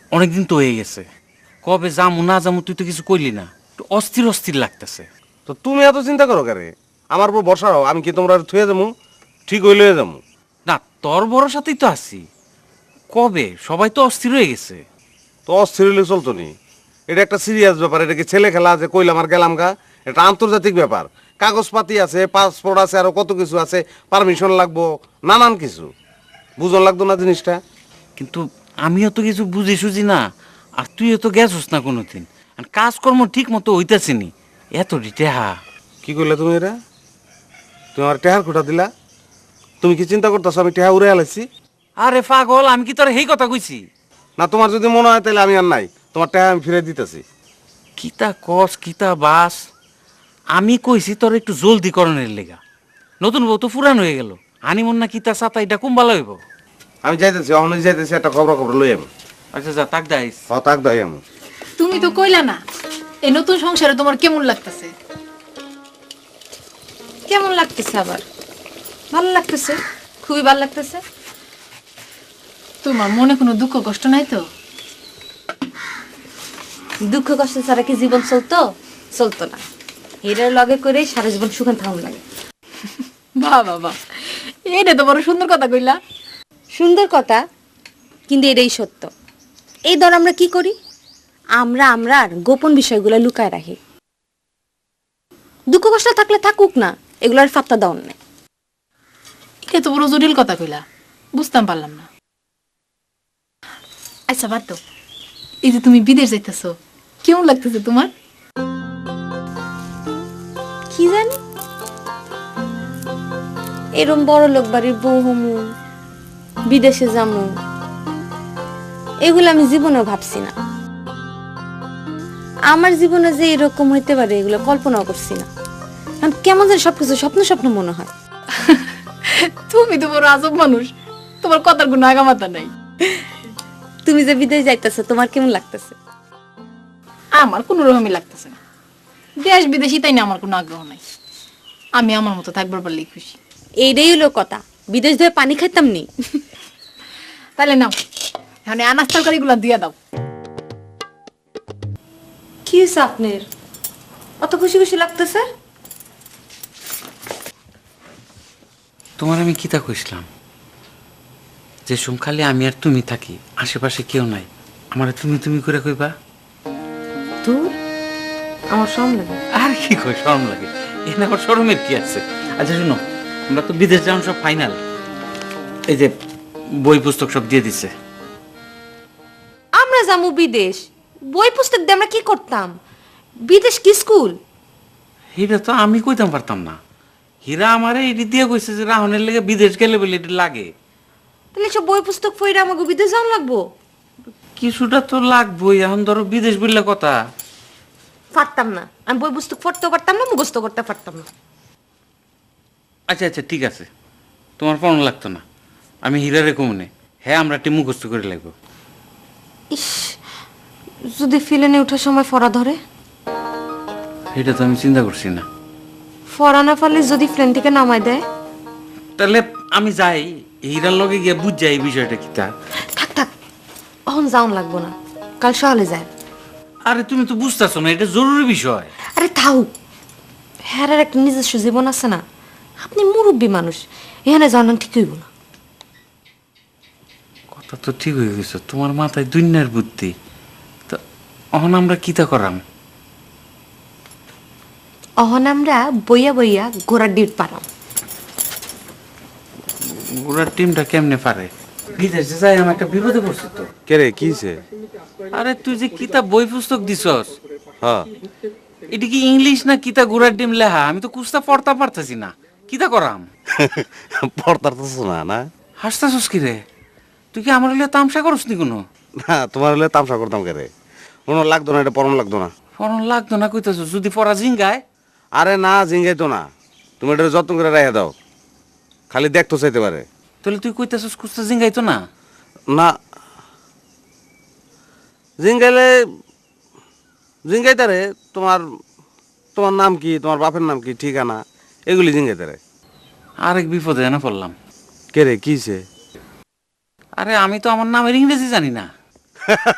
অনেকদিন তো হয়ে গেছে, কবে যামু না যামু তুই তো কিছু কইলি না, একটু অস্থির অস্থির লাগতেছে। তো তুমি এত চিন্তা করো কেন? আমার উপর বর্ষা হও, আমি কি তোমরা থুয়ে যাবো? ঠিক হইলে যাবো। না, তোর ভরসাতেই তো আছি। কবে সবাই তো অস্থির হয়ে গেছে। তো অস্থির হইলে চলতো নি? এটা একটা সিরিয়াস ব্যাপার, এটা কি ছেলে খেলা আছে কইলাম আর গেলাম গা? এটা আন্তর্জাতিক ব্যাপার, কাগজপাতি আছে, পাসপোর্ট আছে, আরো কত কিছু আছে, পারমিশন লাগবো, নানান কিছু। বুঝন লাগতো না জিনিসটা? কিন্তু আমিও তো কিছু বুঝি সুঝি না, আর তুইও তো গেছস না কোনোদিন, আর কাজকর্ম ঠিক মতো হইতাছে নি। এত টেহা। কি করলে তুমি এটা? তুমি আমার টেহার খুঁটা দিলা? তুমি কি চিন্তা করতেছো আমি টেহা উড়ে আলাইছি? আরে পাগল, আমি কি তোর এই কথা কইছি? না, তোমার যদি মনে হয় তাহলে আমি আর নাই, তোমার টেহা আমি ফিরে দিতেছি। কিতা কস কিতা বাস, আমি কইছি তোর একটু জলদি করণের লেগা। নতুন বউ তো ফুরান হয়ে গেল, হানিমুন না কিতা সাতা এটা কুম ভালো হইব। আমি যাইতেছি, অহনে যাইতেছি, একটা খবর লই আমি। আচ্ছা যা, তাক দাইস। তাক দাই আমি। তুমি তো কইলা না এই নতুন সংসারে তোমার কেমন লাগতেছে? কেমন লাগতেছে আবার? ভালো লাগতেছে, খুবই ভালো লাগতেছে। তোমার মনে কোনো দুঃখ কষ্ট নাই তো? দুঃখ কষ্ট ছাড়া কি জীবন চলতো? চলতো না। এটার লগে করে সারা জীবন সুখান থাকুন লাগে। বাহ বাবা, এইটা তো বড় সুন্দর কথা কইলা। সুন্দর কথা, কিন্তু এটাই সত্য। এই ধর আমরা কি করি, আমরা আর গোপন বিষয়গুলো লুকায় রাখি। দুঃখ কষ্ট থাকলে থাকুক না, এগুলোর ফাত্তা দাও না। এটা তো বড় জটিল কথা কইলা, বুঝতাম পারলাম না। আচ্ছা বাদ দাও, এই যে তুমি বিদেশ যাইতেছো, কেমন লাগতেছে তোমার? কি জানি, এরম বড় লোক বাড়ির বউ হমু, বিদেশে যামু, এগুলো আমি জীবনেও ভাবছি না। আমার জীবনে যে এরকম হইতে পারে এগুলো কল্পনাও করছি না। কারণ কেমন যেন সবকিছু স্বপ্ন স্বপ্ন মনে হয়। তুমি তো বড় আজব মানুষ, তোমার কথার কোনো আগামাতা নাই। তুমি যে বিদেশ যাইতেছো, তোমার কেমন লাগতেছে? আমার কোনো রকমই লাগতেছে না। দেশ বিদেশি তাই না, আমার কোনো আগ্রহ নাই। আমি আমার মতো থাকবার পারলেই খুশি। এইটাই হলো কথা, বিদেশ ধরে পানি খাইতাম নি। তাহলে নাও, এখন আনাজ তরকারিগুলো দিয়ে দাও। কি হয়েছে আপনার, অত খুশি খুশি লাগতেছে? তোমার আমি কিতা কইছিলাম যে সুম খালি আমি আর তুমি থাকি, আশেপাশে কেউ নাই, আমার তুমি তুমি করে কইবা? দূর, আমার শরম লাগে। আর কি কই শরম লাগে? এখানে আবার শরমের কি আছে? আচ্ছা শুনো, আমরা তো বিদেশ যাওয়ার সব ফাইনাল, এই যে বই পুস্তক সব দিয়ে দিছে। আমরা যাবো বিদেশ, বই পুস্তক দিয়ে আমরা কি করতাম? বিদেশ কি স্কুল? এটা তো আমি কইতাম পারতাম না। হীরা আমারে এটি দিয়ে কইছে যে রাহনের লেগে বিদেশ গেলে বলে এটি লাগে। তাহলে সব বই পুস্তক পড়ে আমাকে বিদেশ যাওয়া লাগবো? কিছুটা তো লাগবোই, এখন ধরো বিদেশ বললে কথা। পারতাম না, আমি বই পুস্তক পড়তেও পারতাম না, মুখস্থ করতে পারতাম না। আচ্ছা আচ্ছা ঠিক আছে, তোমার পড়ানো লাগতো না, আমি হীরারে কমনে, হ্যাঁ আমরা একটি মুখস্থ করে লাগবো। ইস, যদি ফিলেনে ওঠার সময় ফরা ধরে? এটা তো আমি চিন্তা করছি না। ফরা না পারলে যদি প্লেন থেকে নামায় দেয়? তাহলে আমি যাই, হীরার লগে গিয়ে বুঝ যাই এই বিষয়টা কি তা। থাক থাক, অহন যাওন লাগবো না, কাল সকালে যায়। আরে তুমি তো বুঝতেছো না, এটা জরুরি বিষয়। আরে থাও, হ্যাঁ একটা নিজস্ব জীবন আছে না, আপনি মুরব্বী মানুষ, এখানে জানান ঠিক হইব না। কথা তো ঠিক হয়ে গেছে, তোমার মাথায় দুনিয়ার বুদ্ধি। তো অহন আমরা কিতা করাম? অহন আমরা বইয়া বইয়া ঘোড়ার ডিট পারাম। ওরা টিমটা কেমনে পারে? বিদেশে যাই আমি একটা বিপদে পড়ছি তো। কে রে, কি হইছে? আরে তুই যে কিতা বই পুস্তক দিছস, হ্যাঁ, এটা কি ইংলিশ না কিতা গুড়ার ডিম লেহা? আমি তো কুস্তা পড়তা পারতাছি না, কিতা করাম? পড়তার তো শোনা না। হাসতাছস কি রে? তুই কি আমার লিয়ে তামসা করস নি কোনো? না, তোমার হলে তামসা করতাম কে রে? কোনো লাগতো না, এটা পড়ন লাগতো না। পড়ন লাগতো না কইতাছস? যদি পড়া জিঙ্গায়? আরে না, জিঙ্গাই তো না, তুমি এটা যত্ন করে রেখে দাও, খালি দেখতো চাইতে পারে। তাহলে তুই কইতাছস কুস্তা জিঙ্গাইতো না? না, জিঙ্গাইলে জিঙ্গাইতারে তোমার, তোমার নাম কি, তোমার বাপের নাম কি, ঠিকানা, এগুলি জিঙ্গাইতারে। আরেক বিপদে না পড়লাম। কে রে, কি হইছে? আরে আমি তো আমার নামের ইংরেজি জানি না।